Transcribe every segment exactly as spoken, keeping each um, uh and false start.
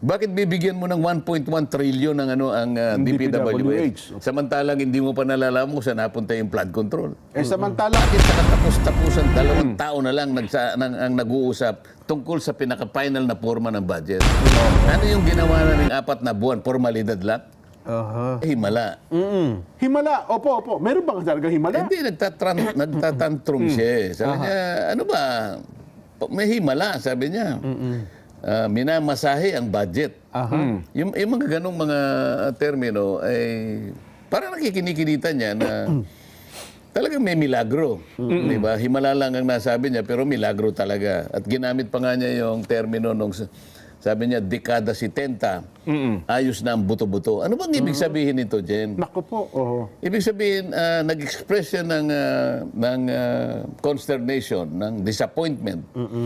Bakit bibigyan mo ng one point one trillion ng ano ang uh, D P W H? Samantalang hindi mo pa nalalaman kung saan napunta yung flood control. Eh samantala, Bakit sa katapos-tapusan dalawang tao na lang nagsa, nang, ang nag-uusap tungkol sa pinaka-final na forma ng budget? Ano yung ginawa na ng apat na buwan? Formalidad lang? Aha. Eh, himala. Mm-mm. himala. Opo, opo. Meron bang talaga himala? Hindi, nagtatran, nagtatantrum siya. eh. Sabi niya, ano ba? May himala, sabi niya. Ah, minamasahe ang budget. Aha. Yung, yung mga ganong mga termino, ay parang nakikinikinita niya na talagang may milagro. Di ba? Himala lang ang nasabi niya, pero milagro talaga. At ginamit pa nga niya yung termino nung sabi niya, dekada setenta, ayos na ang buto-buto. Ano bang ibig sabihin nito, Jen? Naku po. Oo. Ibig sabihin, ah, nag-express siya ng, ah, ng ah, consternation, ng disappointment.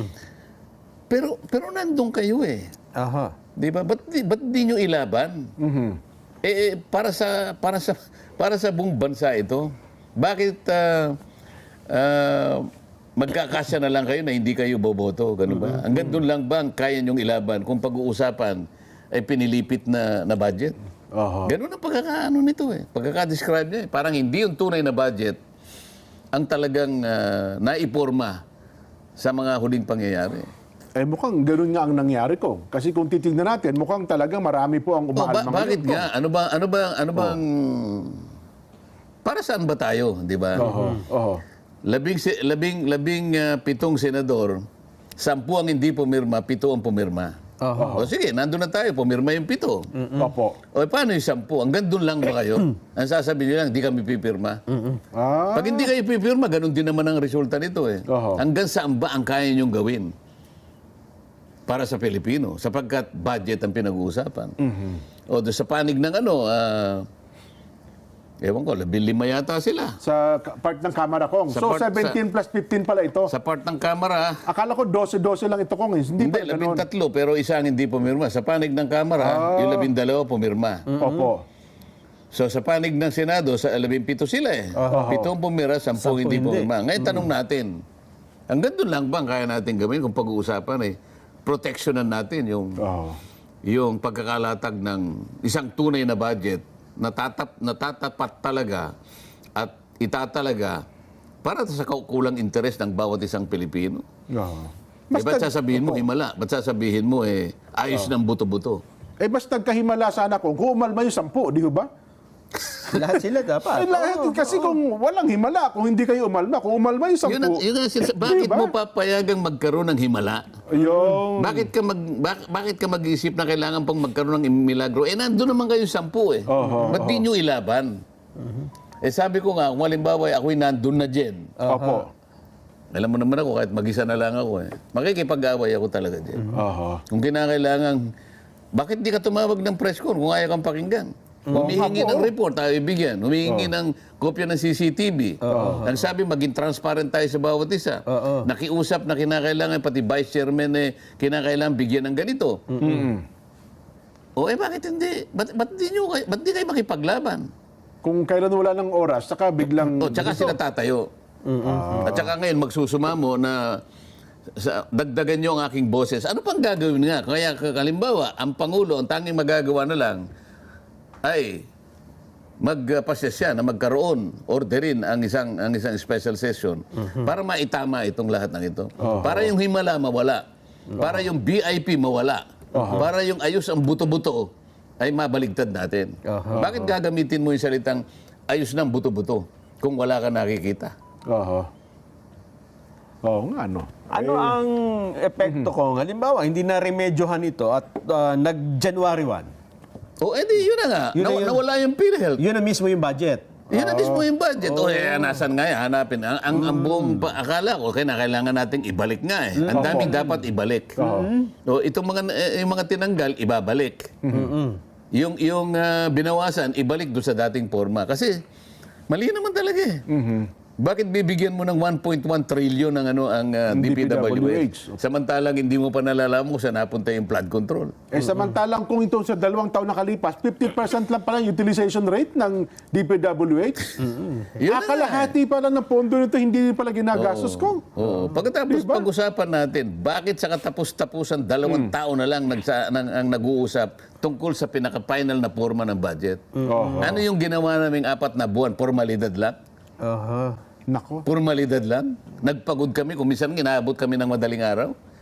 Pero pero nandun kayo eh. Aha. Di ba? Ba't, di- ba't di nyo ilaban? Eh, eh, para sa para sa para sa buong bansa ito, bakit ah, ah, magkakasya na lang kayo na hindi kayo boboto? Ganun ba? Hanggang doon lang ba ang kaya nyong ilaban kung pag-uusapan ay pinilipit na, na budget? Aha. Ganun ang pagkakaano nito eh. Pagkaka-describe niya eh. Parang hindi yung tunay na budget ang talagang ah, naiporma sa mga huling pangyayari. Eh mukhang gano'n nga ang nangyari ko. Kasi kung titignan natin, mukhang talagang marami po ang Oh, umahal ba- mga bakit yun. nga? Ano ba ano ba ano bang para saan ba tayo, di ba? Oho. Oho. Labing si- labing labing ah, pitong senador, sampu ang hindi pumirma, pito ang pumirma. Aha. O sige, nandun na tayo, pumirma yung pito. Opo. O paano yung sampu? Hanggang doon lang ba kayo? Ang sasabihin nyo lang, di kami pipirma. Ah. Pag hindi kayo pipirma, ganun din naman ang resulta nito eh. Oho. Hanggang saan ba ang kaya nyong gawin para sa Pilipino? Sapagkat budget ang pinag-uusapan. O doon sa panig ng ano, ah, ewan ko, labing lima yata sila. Sa ka- part ng Kamara Kong. Sa So part- seventeen plus fifteen pala ito. Sa part ng Kamara, Akala ko twelve twelve lang ito Kong. eh. Hindi, hindi, pa labing ganun. tatlo, pero isa ang hindi pumirma. Sa panig ng Kamara, yung labing dalawa pumirma. Opo. So sa panig ng Senado, sa labing pito sila eh. Oho. Pitong pumira, sampung Sampu hindi hindi. pumirma. Ngayon tanong natin, hanggang doon lang ba ang kaya natin gawin kung pag-uusapan eh, protectionan natin yung, Oho. yung pagkakalatag ng isang tunay na budget na tatap, natatapat talaga at itatalaga para sa kulang interes ng bawat isang Pilipino. Oho. Eh, ba't Basta- sasabihin mo himala? Ba't sasabihin mo eh, ayos ng buto-buto? Eh, mas nagkahimala sana kung kung umalma yung sampu, di ba? Lahat sila dapat. Eh, lahat, Oo, kasi oo. kung walang himala, kung hindi kayo umalma, kung umalma yung sampu, Yun, ang- yun ang sins- bakit Diba? mo papayagang magkaroon ng himala? yung... Bakit ka mag bak- bakit ka mag-isip na kailangan pang magkaroon ng milagro? Eh nandoon naman kayo sampu eh. Oho, Ba't di nyo ilaban? Eh sabi ko nga, kung halimbawa ako'y nandun na dyan. Opo. Alam mo naman ako, kahit mag-isa na lang ako eh. Makikipag-away ako talaga dyan. Oho. Kung kinakailangan, bakit di ka tumawag ng press con kung ayaw kang pakinggan? Humihingi Opo. ng report, tayo ibigyan. Humihingi ng kopya ng C C T V. Ang sabi, maging transparent tayo sa bawat isa. Oo. Nakiusap na kinakailangan, pati vice chairman eh, kinakailangan bigyan ng ganito. O eh, bakit hindi? Ba't, ba't, di, nyo, kay- ba't di kayo makipaglaban? Kung kailan wala ng oras, saka biglang... O, tsaka sila tatayo. At tsaka ngayon, magsusumamo na sa, dagdagan nyo ang aking boses. Ano pang gagawin nga? Kaya kalimbawa, ang Pangulo, ang tanging magagawa na lang, ay magpasya siya na magkaroon, orderin ang isang ang isang special session para maitama itong lahat ng ito. Para yung himala mawala. Para yung V I P mawala. Para yung ayos ang buto-buto ay mabaligtad natin. Aha. Bakit gagamitin mo yung salitang ayos ng buto-buto kung wala ka nakikita? Oho. Oo nga, no. Ano ang epekto ko? Halimbawa, hindi na remedyohan ito at ah, nag-January first. O edi yun na nga, Yun na Naw- yun. nawala yung PhilHealth. Yun na mismo yung budget. Yan na mismo yung budget. O eh, nasan nga yan? Hanapin. Ang, ang, ang buong pa- akala ko, kaya kailangan nating ibalik nga eh. Ang daming dapat ibalik. O itong mga, eh, yung mga tinanggal, ibabalik. Yung, yung ah, binawasan, ibalik doon sa dating forma. Kasi mali naman talaga eh. Bakit bibigyan mo ng one point one trillion ng ano ang uh, Ang D P W H? D P W H. Samantalang hindi mo pa nalalaman kung saan napunta yung flood control. Eh samantalang kung ito sa dalawang taon nakalipas, fifty percent lang pala yung utilization rate ng D P W H. Yun na nga. Akalahati pala ng pondo nito hindi pala ginagastos ko. Oo. Pagkatapos Diba? pag-usapan natin, bakit sa katapos-tapusan dalawang taon na lang nagsa, nang, ang nag-uusap tungkol sa pinaka-final na forma ng budget? Oo. Ano yung ginawa naming apat na buwan? Formalidad lang? Aha. Nako. Formalidad lang? Nagpagod kami, kung minsan ginabot kami ng madaling araw.